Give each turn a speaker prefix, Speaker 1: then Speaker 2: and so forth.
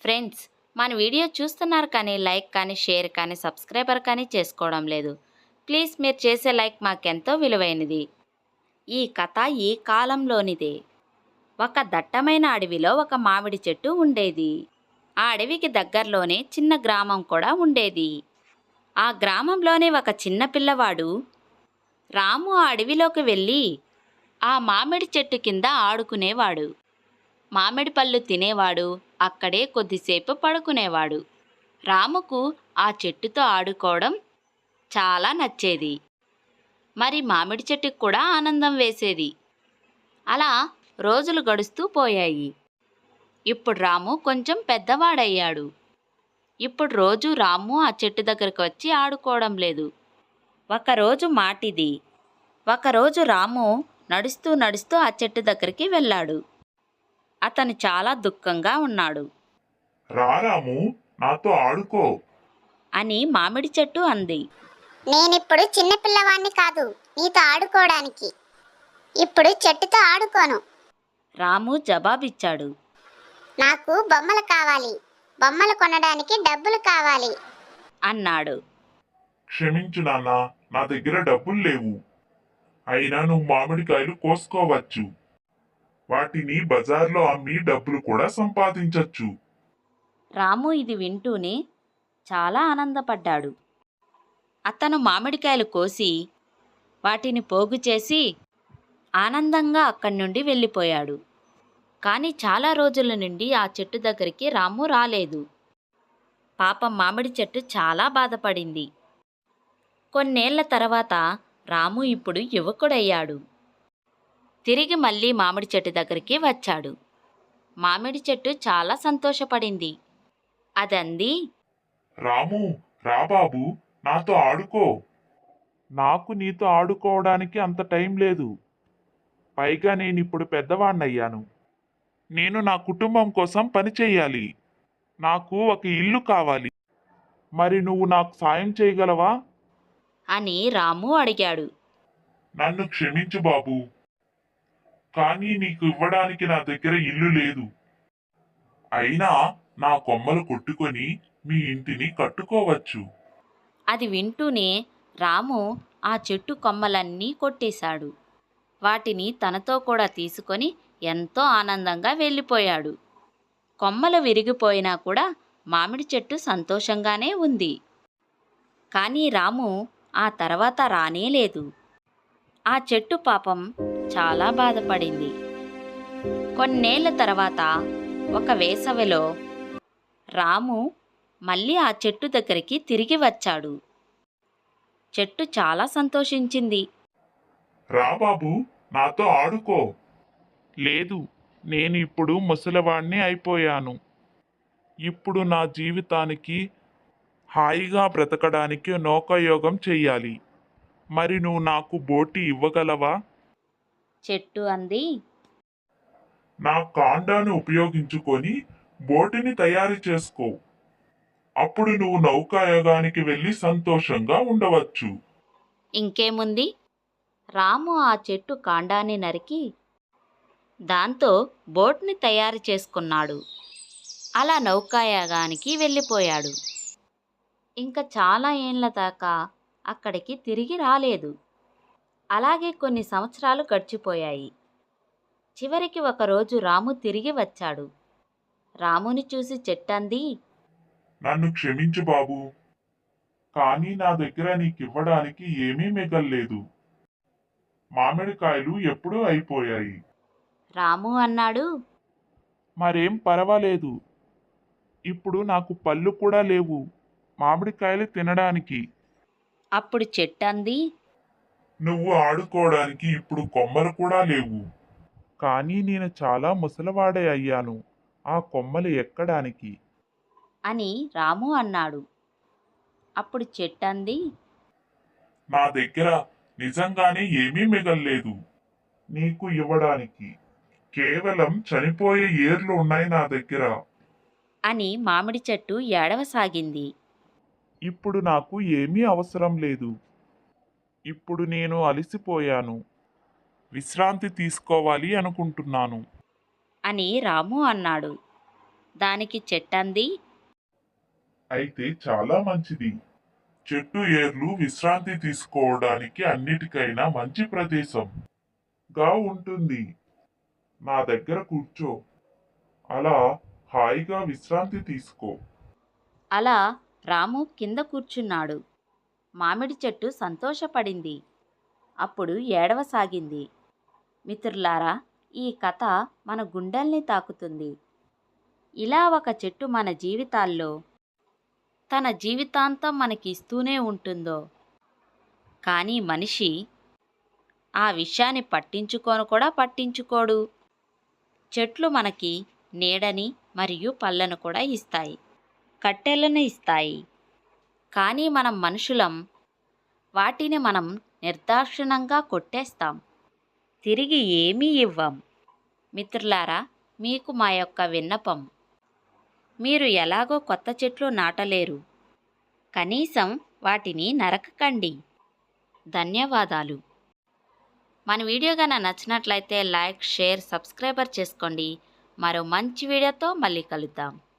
Speaker 1: Friends, మన video చూస్తున్నారు కానీ లైక్ కానీ షేర్ కానీ సబ్స్క్రైబర్ కానీ చేసుకోవడం లేదు. ప్లీజ్ మీరు చేసే లైక్ మాకెంతో విలువైనది. ఈ కథ ఈ కాలంలోనిదే. ఒక దట్టమైన అడవిలో ఒక మామిడి చెట్టు ఉండేది. ఆ అడవికి దగ్గరలోనే చిన్న గ్రామం కూడా ఉండేది. ఆ గ్రామంలోనే ఒక చిన్న పిల్లవాడు రాము ఆ అడవిలోకి వెళ్ళి ఆ మామిడి చెట్టు కింద ఆడుకునేవాడు. మామిడి పళ్ళు తినేవాడు. అక్కడే కొద్దిసేపు పడుకునేవాడు. రాముకు ఆ చెట్టుతో ఆడుకోవడం చాలా నచ్చేది. మరి మామిడి చెట్టుకు కూడా ఆనందం వేసేది. అలా రోజులు గడుస్తూ పోయాయి. ఇప్పుడు రాము కొంచెం పెద్దవాడయ్యాడు. ఇప్పుడు రోజు రాము ఆ చెట్టు దగ్గరకు వచ్చి ఆడుకోవడం లేదు. ఒకరోజు మాటిది. ఒకరోజు రాము నడుస్తూ నడుస్తూ ఆ చెట్టు దగ్గరికి వెళ్ళాడు. అతను చాలా దుఃఖంగా ఉన్నాడు.
Speaker 2: రారాము, నాతో ఆడుకో.
Speaker 1: అని మామిడి చెట్టు అంది.
Speaker 3: నేనిప్పుడు చిన్న పిల్లవాణ్ణి కాదు నీతో ఆడుకోవడానికి. ఇప్పుడు చెట్టుతో ఆడుకోను.
Speaker 1: రాము జవాబిచ్చాడు.
Speaker 3: నాకు బొమ్మలు కావాలి. బొమ్మలు కొనడానికి డబ్బులు కావాలి
Speaker 1: అన్నాడు.
Speaker 2: క్షమించు నాన్న, నా దగ్గర డబ్బులు లేవు. అయినా నువ్వు మామిడికాయలు కోసుకోవచ్చు. వాటిని బజార్లో అమ్మి డబ్బులు కూడా సంపాదించొచ్చు.
Speaker 1: రాము ఇది వింటూనే చాలా ఆనందపడ్డాడు. అతను మామిడికాయలు కోసి వాటిని పోగు చేసి ఆనందంగా అక్కడి నుండి వెళ్ళిపోయాడు. కానీ చాలా రోజుల నుండి ఆ చెట్టు దగ్గరికి రాము రాలేదు. పాపం మామిడి చెట్టు చాలా బాధపడింది. కొన్నేళ్ల తర్వాత రాము ఇప్పుడు యువకుడయ్యాడు. తిరిగి మళ్ళీ మామిడి చెట్టు దగ్గరికి వచ్చాడు. మామిడి చెట్టు చాలా సంతోషపడింది. అదంది,
Speaker 2: రాము, రా బాబు, నాతో ఆడుకో. నాకు నీతో ఆడుకోవడానికి అంత టైం లేదు. పైగా నేనిప్పుడు పెద్దవాణ్ణయ్యాను. నేను నా కుటుంబం కోసం పని చెయ్యాలి. నాకు ఒక ఇల్లు కావాలి. మరి నువ్వు నాకు సాయం చేయగలవా?
Speaker 1: అని రాము అడిగాడు.
Speaker 2: నన్ను క్షమించు బాబు, కానీ నీకు ఇవ్వడానికి నా దగ్గర ఇల్లు లేదు. అయినా నా కొమ్మలు కొట్టుకొని మీ ఇంటిని కట్టుకోవచ్చు.
Speaker 1: అది వింటూనే రాము ఆ చెట్టు కొమ్మలన్నీ కొట్టేశాడు. వాటిని తనతో కూడా తీసుకొని ఎంతో ఆనందంగా వెళ్ళిపోయాడు. కొమ్మలు విరిగిపోయినా కూడా మామిడి చెట్టు సంతోషంగానే ఉంది. కానీ రాము ఆ తర్వాత రానేలేదు. ఆ చెట్టు పాపం చాలా బాధపడింది. కొన్నేళ్ల తర్వాత ఒక వేసవిలో రాము మళ్ళీ ఆ చెట్టు దగ్గరికి తిరిగి వచ్చాడు. చెట్టు చాలా సంతోషించింది.
Speaker 2: రా బాబు, నాతో ఆడుకో. లేదు, నేను ఇప్పుడు ముసలివాణ్ణి అయిపోయాను. ఇప్పుడు నా జీవితానికి హాయిగా బ్రతకడానికి నౌకాయోగం చెయ్యాలి. మరి నువ్వు నాకు బోటి ఇవ్వగలవా?
Speaker 1: చెట్టు అంది.
Speaker 2: నా కాండాన్ని ఉపయోగించుకొని బోటిని తయారు చేసుకో. అప్పుడు నువ్వు నౌకాయోగానికి వెళ్ళి సంతోషంగా ఉండవచ్చు.
Speaker 1: ఇంకేముంది, రాము ఆ చెట్టు కాండాన్ని నరికి దాంతో బోట్ని తయారు చేసుకున్నాడు. అలా నౌకాయాగానికి వెళ్ళిపోయాడు. ఇంకా చాలా ఏండ్ల దాకా అక్కడికి తిరిగి రాలేదు. అలాగే కొన్ని సంవత్సరాలు గడిచిపోయాయి. చివరికి ఒకరోజు రాము తిరిగి వచ్చాడు. రాముని చూసి చెట్టంది,
Speaker 2: నన్ను క్షమించు బాబు, కానీ నా దగ్గర నీకివ్వడానికి ఏమీ మిగల్లేదు. మామిడికాయలు ఎప్పుడూ అయిపోయాయి.
Speaker 1: రాము అన్నాడు.
Speaker 2: మరేం పర్వాలేదు. ఇప్పుడు నాకు పళ్ళు కూడా లేవు మామిడికాయలు తినడానికి.
Speaker 1: అప్పుడు చెట్టంది,
Speaker 2: నువ్వు ఆడుకోవడానికి ఇప్పుడు కొమ్మలు కూడా లేవు. కానీ నేను చాలా ముసలివాడే అయ్యాను ఆ కొమ్మలు ఎక్కడానికి.
Speaker 1: అని రాము అన్నాడు. అప్పుడు చెట్టంది,
Speaker 2: నా దగ్గర నిజంగానే ఏమీ మిగల్లేదు నీకు ఇవ్వడానికి. కేవలం చనిపోయే ఏర్లు ఉన్నాయి నా దగ్గర.
Speaker 1: అని మామిడి చెట్టు ఏడవసాగింది.
Speaker 2: ఇప్పుడు నాకు ఏమీ అవసరం లేదు. ఇప్పుడు నేను అలసిపోయాను. విశ్రాంతి తీసుకోవాలి అనుకుంటున్నాను.
Speaker 1: అని రాము అన్నాడు. దానికి చెట్టంది,
Speaker 2: అయితే చాలా మంచిది. చెట్టు ఏర్లు విశ్రాంతి తీసుకోవడానికి అన్నిటికైనా మంచి ప్రదేశంగా ఉంటుంది. నా దగ్గర కూర్చో. అలా హాయిగా విశ్రాంతి తీసుకో.
Speaker 1: అలా రాము కింద కూర్చున్నాడు. మామిడి చెట్టు సంతోషపడింది. అప్పుడు ఏడవసాగింది. మిత్రులారా, ఈ కథ మన గుండెల్ని తాకుతుంది. ఇలా ఒక చెట్టు మన జీవితాల్లో తన జీవితాంతం మనకి ఇస్తూనే ఉంటుందో, కానీ మనిషి ఆ విషయాన్ని పట్టించుకోడు. చెట్లు మనకి నీడని మరియు పళ్ళను కూడా ఇస్తాయి, కట్టెలను ఇస్తాయి. కానీ మనం మనుషులం వాటిని నిర్దాక్షిణ్యంగా కొట్టేస్తాం, తిరిగి ఏమీ ఇవ్వం. మిత్రులారా, మీకు మా యొక్క విన్నపం, మీరు ఎలాగో కొత్త చెట్లు నాటలేరు, కనీసం వాటిని నరకకండి. ధన్యవాదాలు. మన వీడియో కనుక నచ్చినట్లయితే లైక్, షేర్, సబ్స్క్రైబర్ చేసుకోండి. మరో మంచి వీడియోతో మళ్ళీ కలుద్దాం.